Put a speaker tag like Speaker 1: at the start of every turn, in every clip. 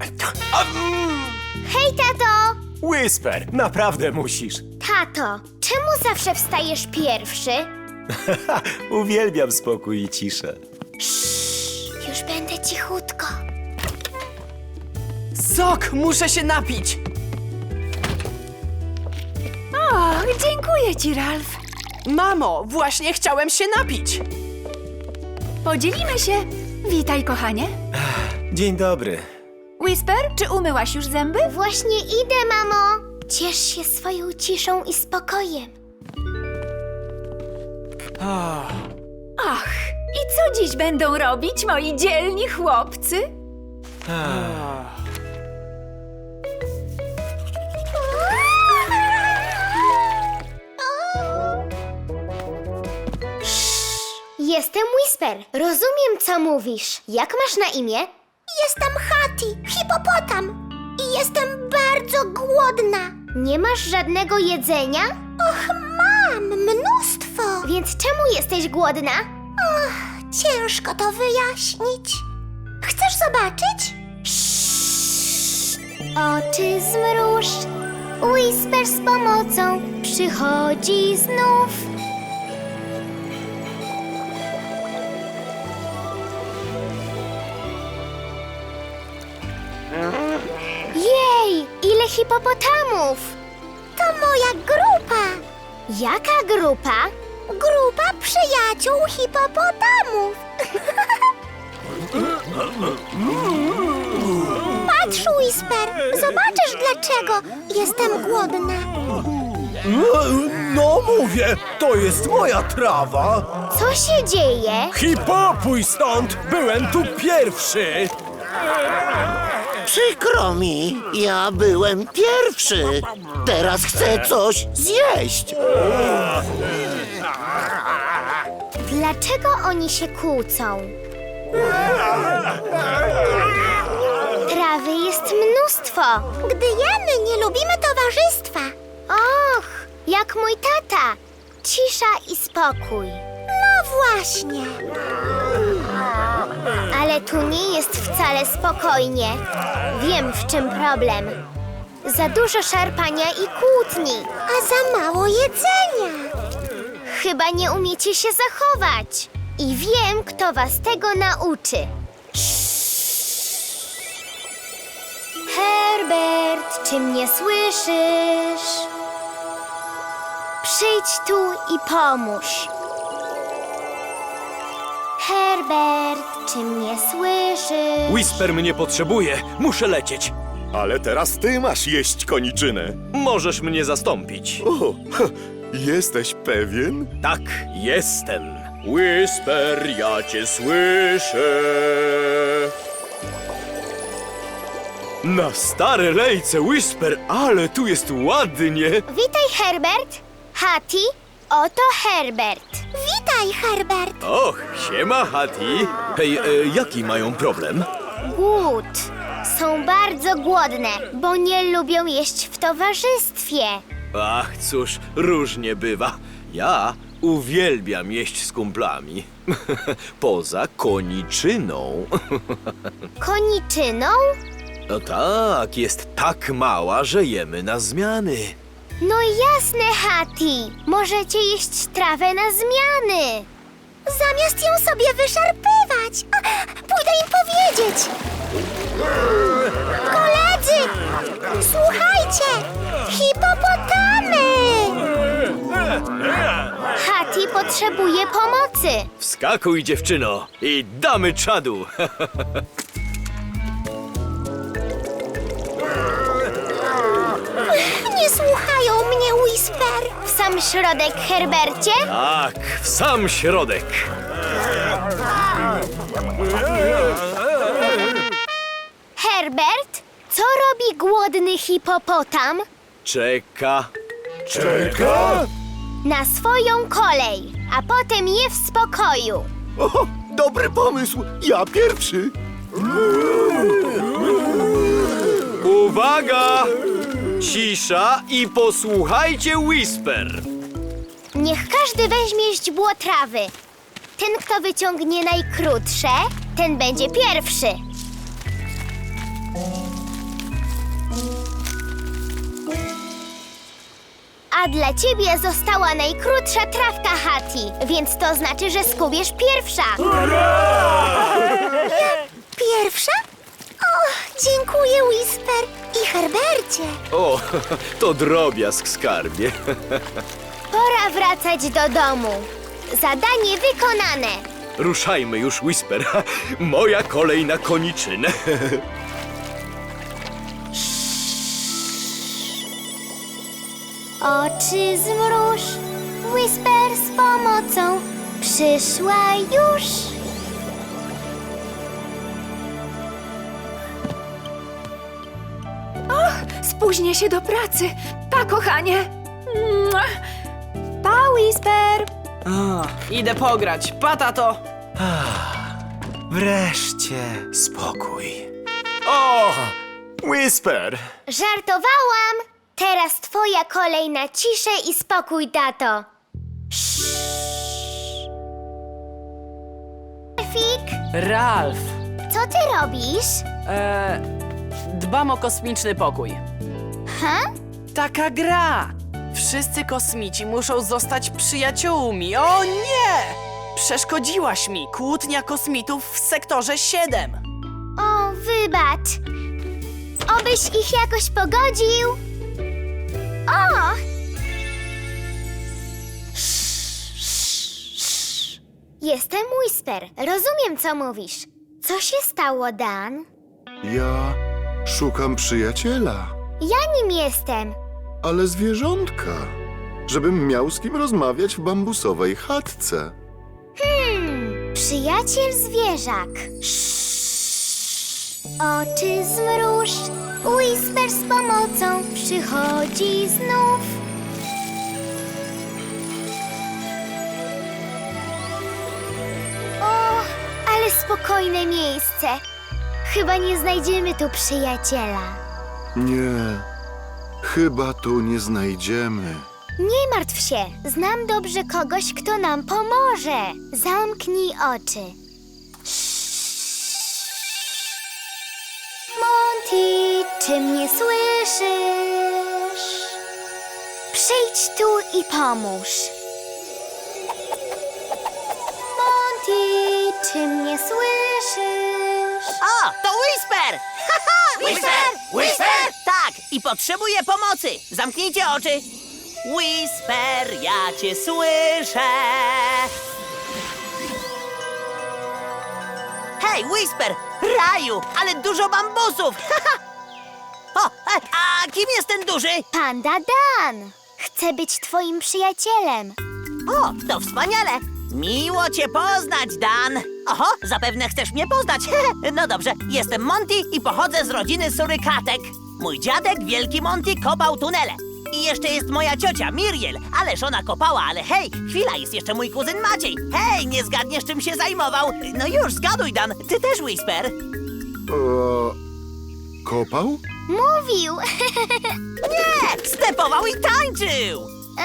Speaker 1: Hej, tato!
Speaker 2: Whisper, naprawdę musisz.
Speaker 1: Tato, czemu zawsze wstajesz pierwszy?
Speaker 2: Uwielbiam spokój i ciszę.
Speaker 1: Już będę cichutko.
Speaker 3: Sok, muszę się napić!
Speaker 4: Och, dziękuję ci, Ralf.
Speaker 3: Mamo, właśnie chciałem się napić!
Speaker 4: Podzielimy się. Witaj, kochanie.
Speaker 2: Dzień dobry.
Speaker 4: Whisper, czy umyłaś już zęby?
Speaker 1: Właśnie idę, mamo. Ciesz się swoją ciszą i spokojem.
Speaker 4: Ach, i co dziś będą robić moi dzielni chłopcy?
Speaker 1: Jestem Whisper. Rozumiem, co mówisz. Jak masz na imię? Jestem Hattie, hipopotam. I jestem bardzo głodna. Nie masz żadnego jedzenia? Och, mam mnóstwo. Więc czemu jesteś głodna? Ciężko to wyjaśnić. Chcesz zobaczyć? Oczy zmruż. Whisper z pomocą przychodzi znów. Jej, ile hipopotamów! To moja grupa. Jaka grupa? Grupa przyjaciół hipopotamów. Patrz, Whisper, zobaczysz, dlaczego jestem głodna.
Speaker 5: No mówię, to jest moja trawa.
Speaker 1: Co się dzieje?
Speaker 5: Hipopuj stąd, byłem tu pierwszy.
Speaker 6: Przykro mi, ja byłem pierwszy. Teraz chcę coś zjeść.
Speaker 1: Dlaczego oni się kłócą? Trawy jest mnóstwo. Gdy jemy, nie lubimy towarzystwa. Och, jak mój tata. Cisza i spokój. No właśnie. Ale tu nie jest wcale spokojnie. Wiem, w czym problem. Za dużo szarpania i kłótni. A za mało jedzenia. Chyba nie umiecie się zachować. I wiem, kto was tego nauczy. Herbert, czy mnie słyszysz? Przyjdź tu i pomóż. Herbert, czy mnie słyszysz?
Speaker 2: Whisper mnie potrzebuje. Muszę lecieć.
Speaker 7: Ale teraz ty masz jeść koniczynę.
Speaker 2: Możesz mnie zastąpić.
Speaker 7: O, jesteś pewien?
Speaker 2: Tak, jestem. Whisper, ja cię słyszę. Na stare lejce, Whisper, ale tu jest ładnie.
Speaker 1: Witaj, Herbert. Hattie, oto Herbert. Witaj, Herbert.
Speaker 2: Och, siema, Hattie. Hej, jaki mają problem?
Speaker 1: Głód. Są bardzo głodne, bo nie lubią jeść w towarzystwie.
Speaker 2: Ach, cóż, różnie bywa. Ja uwielbiam jeść z kumplami. Poza koniczyną.
Speaker 1: Koniczyną?
Speaker 2: No tak, jest tak mała, że jemy na zmiany.
Speaker 1: No jasne, Hattie. Możecie jeść trawę na zmiany. Zamiast ją sobie wyszarpywać. Pójdę im powiedzieć. Koledzy, słuchajcie. Hipopotamy. Hattie potrzebuje pomocy.
Speaker 2: Wskakuj, dziewczyno, i damy czadu.
Speaker 1: Nie słuchają mnie, Whisper. W sam środek, Herbercie?
Speaker 2: Tak, w sam środek.
Speaker 1: Herbert, co robi głodny hipopotam?
Speaker 2: Czeka.
Speaker 5: Czeka?
Speaker 1: Na swoją kolej, a potem je w spokoju.
Speaker 7: O, dobry pomysł, ja pierwszy.
Speaker 2: Uwaga! Cisza i posłuchajcie Whisper.
Speaker 1: Niech każdy weźmie źdźbło trawy. Ten, kto wyciągnie najkrótsze, ten będzie pierwszy. A dla ciebie została najkrótsza trawka, Hati, więc to znaczy, że skubiesz pierwsza. Pierwsza? O, dziękuję, Whisper i Herbercie.
Speaker 2: O, to drobiazg, skarbie.
Speaker 1: Pora wracać do domu. Zadanie wykonane.
Speaker 2: Ruszajmy już, Whisper. Moja kolej na koniczynę.
Speaker 1: Oczy zmruż, Whisper z pomocą przyszła już.
Speaker 4: Spóźnię się do pracy. Pa, kochanie. Mua. Pa, Whisper.
Speaker 3: Idę pograć. Pa, tato.
Speaker 5: Wreszcie spokój. O! Whisper!
Speaker 1: Żartowałam. Teraz twoja kolej na ciszę i spokój, tato. Fik,
Speaker 3: Ralf.
Speaker 1: co ty robisz?
Speaker 3: Dbam o kosmiczny pokój.
Speaker 1: Ha?
Speaker 3: Taka gra. Wszyscy kosmici muszą zostać przyjaciółmi. O nie! Przeszkodziłaś mi. Kłótnia kosmitów w sektorze 7.
Speaker 1: O, wybacz. Obyś ich jakoś pogodził. O! Jestem Whisper. Rozumiem, co mówisz. Co się stało, Dan?
Speaker 7: Ja szukam przyjaciela,
Speaker 1: Ja nim jestem.
Speaker 7: ale zwierzątka, żebym miał z kim rozmawiać w bambusowej chatce.
Speaker 1: Przyjaciel zwierzak. Oczy zmruż. Whisper z pomocą przychodzi znów. O, ale spokojne miejsce. Chyba nie znajdziemy tu przyjaciela.
Speaker 7: Nie, chyba tu nie znajdziemy.
Speaker 1: Nie martw się. Znam dobrze kogoś, kto nam pomoże. Zamknij oczy. Monty, czy mnie słyszysz? Przyjdź tu i pomóż. Monty, czy mnie słyszysz?
Speaker 8: O, to Whisper! Whisper! Whisper! Tak, i potrzebuję pomocy. Zamknijcie oczy. Whisper, ja cię słyszę. Hej, Whisper! Raju, ale dużo bambusów! O, a kim jest ten duży?
Speaker 1: Panda Dan. Chcę być twoim przyjacielem.
Speaker 8: O, to wspaniale! Miło cię poznać, Dan! Oho, zapewne chcesz mnie poznać. No dobrze, jestem Monty i pochodzę z rodziny surykatek. Mój dziadek, wielki Monty, kopał tunele. I jeszcze jest moja ciocia, Miriel. Ależ ona kopała, ale hej, chwila, jest jeszcze mój kuzyn Maciej. Hej, nie zgadniesz, czym się zajmował? No już, zgaduj, Dan, ty też, Whisper.
Speaker 7: Kopał?
Speaker 1: Mówił.
Speaker 8: Nie, stepował i tańczył.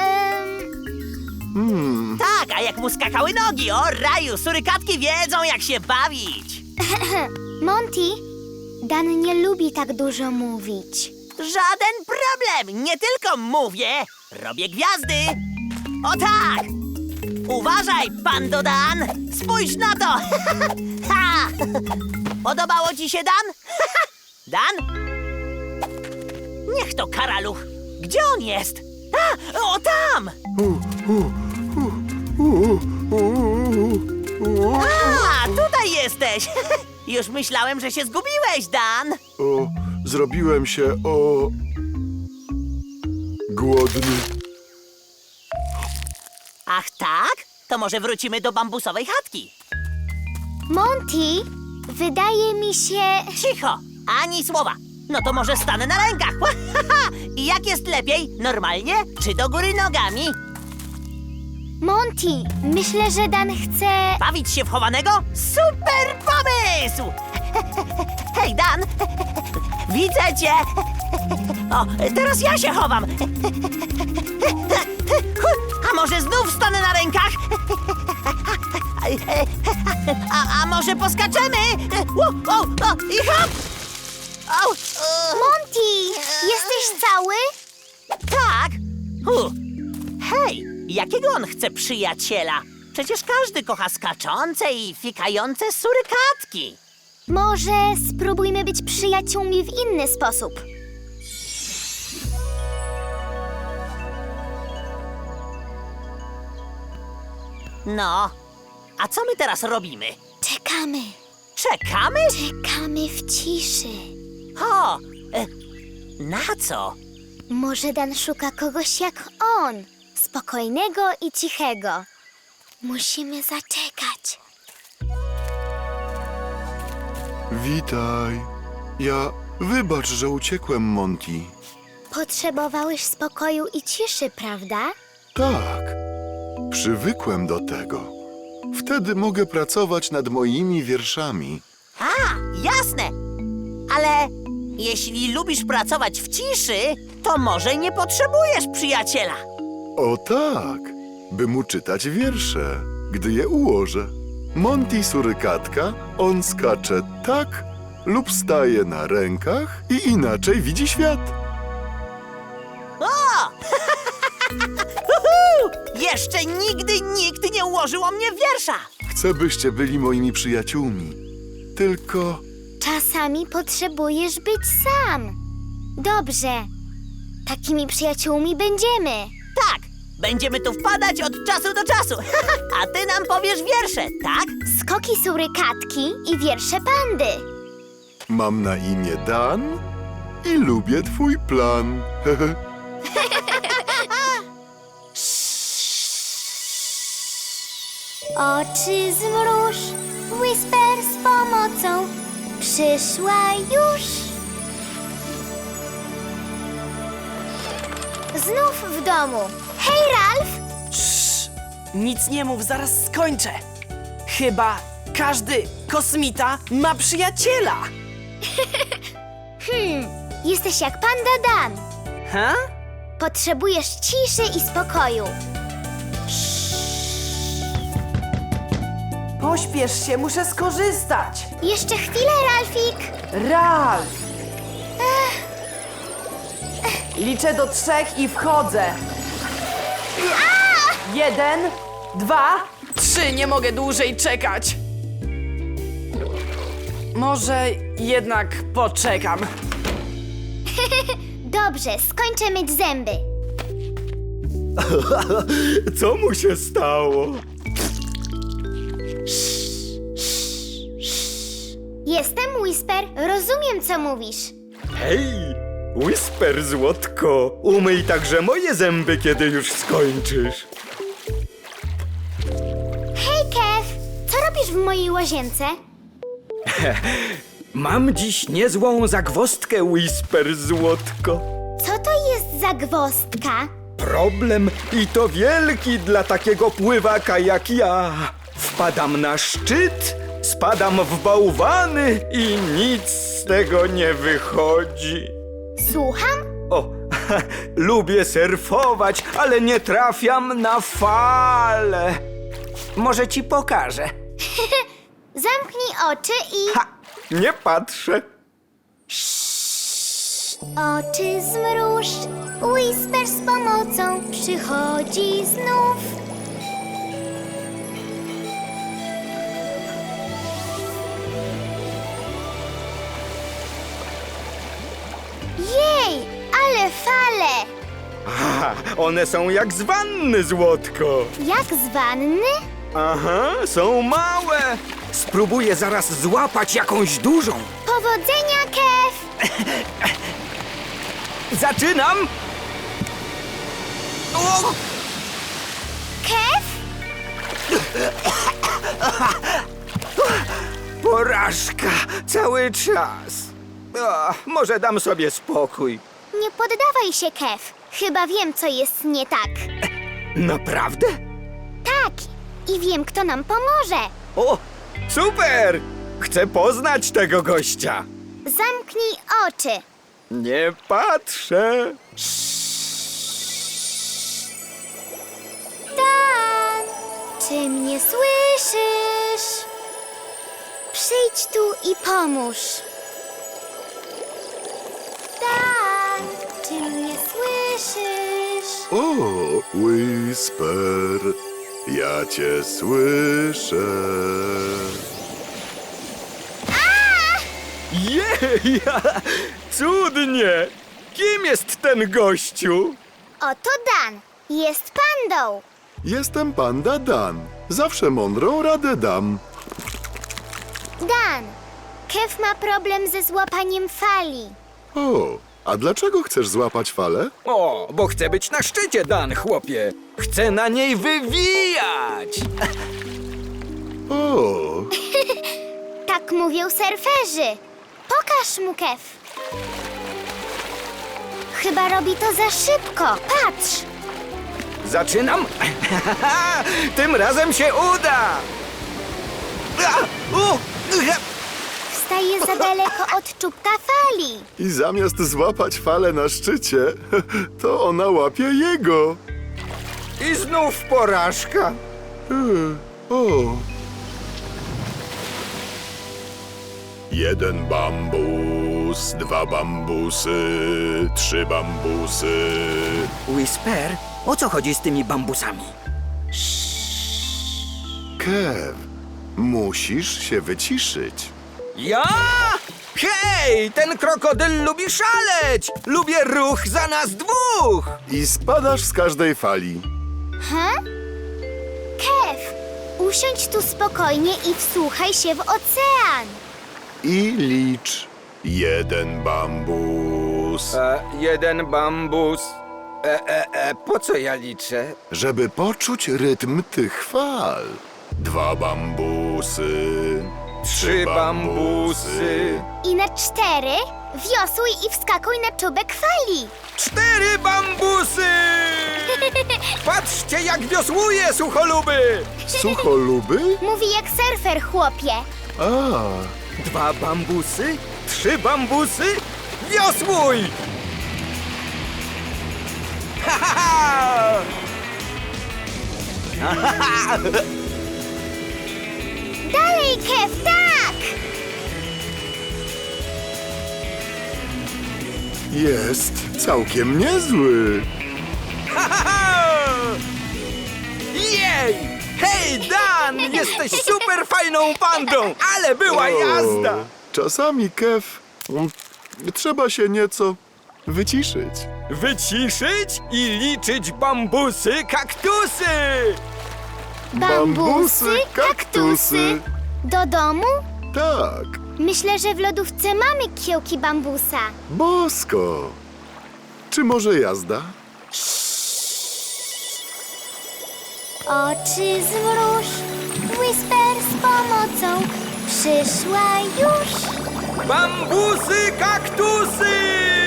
Speaker 8: Tak, a jak mu skakały nogi, o raju, surykatki wiedzą, jak się bawić.
Speaker 1: Monty, Dan nie lubi tak dużo mówić.
Speaker 8: Żaden problem, nie tylko mówię, robię gwiazdy. O tak! Uważaj, Pando Dan! Spójrz na to! Ha! Podobało ci się, Dan? Dan? Niech to karaluch. Gdzie on jest? A, o tam! A, tutaj jesteś! Już myślałem, że się zgubiłeś, Dan.
Speaker 7: O, zrobiłem się głodny.
Speaker 8: Ach tak? To może wrócimy do bambusowej chatki.
Speaker 1: Monty, wydaje mi się...
Speaker 8: Cicho! Ani słowa! No to może stanę na rękach! I jak jest lepiej? Normalnie? Czy do góry nogami?
Speaker 1: Monty, myślę, że Dan chce...
Speaker 8: Bawić się w chowanego? Super pomysł! Hej, Dan! Widzę cię! O, teraz ja się chowam! A może znów stanę na rękach? A może poskaczemy? I hop!
Speaker 1: Monty, jesteś cały?
Speaker 8: Tak! Hej, jakiego on chce przyjaciela? Przecież każdy kocha skaczące i fikające surykatki.
Speaker 1: Może spróbujmy być przyjaciółmi w inny sposób.
Speaker 8: No, a co my teraz robimy?
Speaker 1: Czekamy.
Speaker 8: Czekamy?
Speaker 1: Czekamy w ciszy.
Speaker 8: O, na co?
Speaker 1: Może Dan szuka kogoś jak on. Spokojnego i cichego. Musimy zaczekać.
Speaker 7: Witaj. Wybacz, że uciekłem, Monty.
Speaker 1: Potrzebowałeś spokoju i ciszy, prawda?
Speaker 7: Tak. Przywykłem do tego. Wtedy mogę pracować nad moimi wierszami.
Speaker 8: A, jasne. Ale jeśli lubisz pracować w ciszy, to może nie potrzebujesz przyjaciela.
Speaker 7: O tak, by mu czytać wiersze, gdy je ułożę. Monty surykatka, on skacze tak lub staje na rękach i inaczej widzi świat.
Speaker 8: O! Uhu! Jeszcze nigdy nikt nie ułożył o mnie wiersza.
Speaker 7: Chcę, byście byli moimi przyjaciółmi. Tylko
Speaker 1: Czasami potrzebujesz być sam. Dobrze. Takimi przyjaciółmi będziemy.
Speaker 8: Tak, będziemy tu wpadać od czasu do czasu. A ty nam powiesz wiersze, tak?
Speaker 1: Skoki surykatki i wiersze pandy.
Speaker 7: mam na imię Dan i lubię twój plan.
Speaker 1: Oczy zmruż, Whisper z pomocą przyszła już. Znów w domu. Hej, Ralf!
Speaker 3: Cii, nic nie mów, zaraz skończę. Chyba każdy kosmita ma przyjaciela.
Speaker 1: Jesteś jak panda Dan.
Speaker 3: Ha?
Speaker 1: Potrzebujesz ciszy i spokoju.
Speaker 3: Pośpiesz się, muszę skorzystać.
Speaker 1: Jeszcze chwilę, Ralfik.
Speaker 3: Ralf! Liczę do 3 i wchodzę. 1, 2, 3. Nie mogę dłużej czekać. Może jednak poczekam.
Speaker 1: Dobrze, skończę myć zęby.
Speaker 2: Co mu się stało?
Speaker 1: Jestem Whisper, rozumiem, co mówisz.
Speaker 2: Hej, Whisper, złotko, umyj także moje zęby, kiedy już skończysz.
Speaker 1: Hej, Kev, co robisz w mojej łazience?
Speaker 5: Mam dziś niezłą zagwozdkę, Whisper, złotko.
Speaker 1: Co to jest za gwozdka?
Speaker 5: Problem i to wielki dla takiego pływaka jak ja. Wpadam na szczyt, spadam w bałwany i nic z tego nie wychodzi.
Speaker 1: Słucham?
Speaker 5: O, lubię surfować, ale nie trafiam na fale. Może ci pokażę.
Speaker 1: Zamknij oczy i...
Speaker 5: Ha, nie patrzę.
Speaker 1: Oczy zmruż, Whisper z pomocą przychodzi znów. Jej, ale fale!
Speaker 5: Aha, one są jak z wanny, złotko.
Speaker 1: Jak z wanny?
Speaker 5: Aha, są małe. Spróbuję zaraz złapać jakąś dużą.
Speaker 1: Powodzenia, Kev!
Speaker 5: Zaczynam. O!
Speaker 1: Kev?
Speaker 5: Porażka cały czas. O, może dam sobie spokój.
Speaker 1: Nie poddawaj się, Kev. Chyba wiem, co jest nie tak.
Speaker 5: Naprawdę?
Speaker 1: Tak, i wiem, kto nam pomoże.
Speaker 5: O, super! Chcę poznać tego gościa.
Speaker 1: Zamknij oczy.
Speaker 5: Nie patrzę.
Speaker 1: Dan, czy mnie słyszysz? Przyjdź tu i pomóż. Dan, czy mnie słyszysz?
Speaker 7: O, Whisper, ja cię słyszę.
Speaker 5: Jej, cudnie! Kim jest ten gościu?
Speaker 1: Oto Dan. Jest pandą.
Speaker 7: Jestem panda Dan. Zawsze mądrą radę dam.
Speaker 1: Dan. Kev ma problem ze złapaniem fali.
Speaker 7: O, a dlaczego chcesz złapać falę?
Speaker 5: O, bo chcę być na szczycie, Dan, chłopie. Chcę na niej wywijać.
Speaker 7: O,
Speaker 1: Tak mówią surferzy. Pokaż mu, Kev. Chyba robi to za szybko. Patrz.
Speaker 5: Zaczynam. Tym razem się uda.
Speaker 1: Wstaje za daleko od czubka fali.
Speaker 7: i zamiast złapać falę na szczycie, to ona łapie jego.
Speaker 5: I znów porażka.
Speaker 7: O. Jeden bambus, 2 bambusy, 3 bambusy.
Speaker 5: Whisper, o co chodzi z tymi bambusami?
Speaker 7: Kev, musisz się wyciszyć.
Speaker 5: Ja? Hej, ten krokodyl lubi szaleć! Lubię ruch za nas dwóch!
Speaker 7: I spadasz z każdej fali.
Speaker 1: Kev, usiądź tu spokojnie i wsłuchaj się w ocean.
Speaker 7: I licz. 1 bambus.
Speaker 5: Jeden bambus. Po co ja liczę?
Speaker 7: Żeby poczuć rytm tych fal. 2 bambusy.
Speaker 5: 3 bambusy.
Speaker 1: I na 4 wiosłuj i wskakuj na czubek fali.
Speaker 5: 4 bambusy! Patrzcie, jak wiosłuje, sucholuby!
Speaker 7: Sucholuby?
Speaker 1: Mówi jak surfer, chłopie.
Speaker 7: A,
Speaker 5: 2 bambusy, 3 bambusy, wiosłuj! Ha, ha, ha!
Speaker 1: Dalej, Kev, tak!
Speaker 7: jest całkiem niezły.
Speaker 5: Ha, ha, ha! Jej! Hej, Dan! Jesteś super fajną pandą, ale była jazda!
Speaker 7: Czasami, Kev, trzeba się nieco wyciszyć.
Speaker 5: Wyciszyć i liczyć bambusy, kaktusy!
Speaker 1: Bambusy, kaktusy. Do domu?
Speaker 7: Tak,
Speaker 1: Myślę, że w lodówce mamy kiełki bambusa.
Speaker 7: bosko. Czy może jazda?
Speaker 1: Oczy zmruż, Whisper z pomocą przyszła już.
Speaker 5: Bambusy, kaktusy!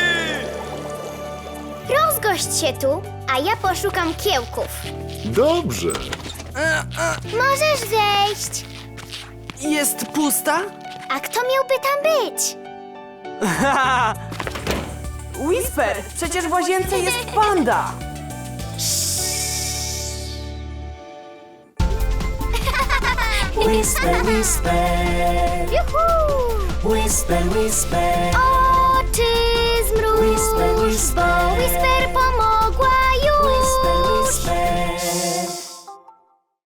Speaker 1: Rozgość się tu, a ja poszukam kiełków.
Speaker 7: Dobrze.
Speaker 1: Możesz wejść.
Speaker 3: Jest pusta?
Speaker 1: A kto miałby tam być?
Speaker 3: Whisper, przecież w łazience jest panda.
Speaker 9: Whisper, whisper,
Speaker 1: Juhu!
Speaker 9: whisper, whisper.
Speaker 1: Oczy zmruż,
Speaker 9: Whisper, whisper.
Speaker 1: bo Whisper pomoże.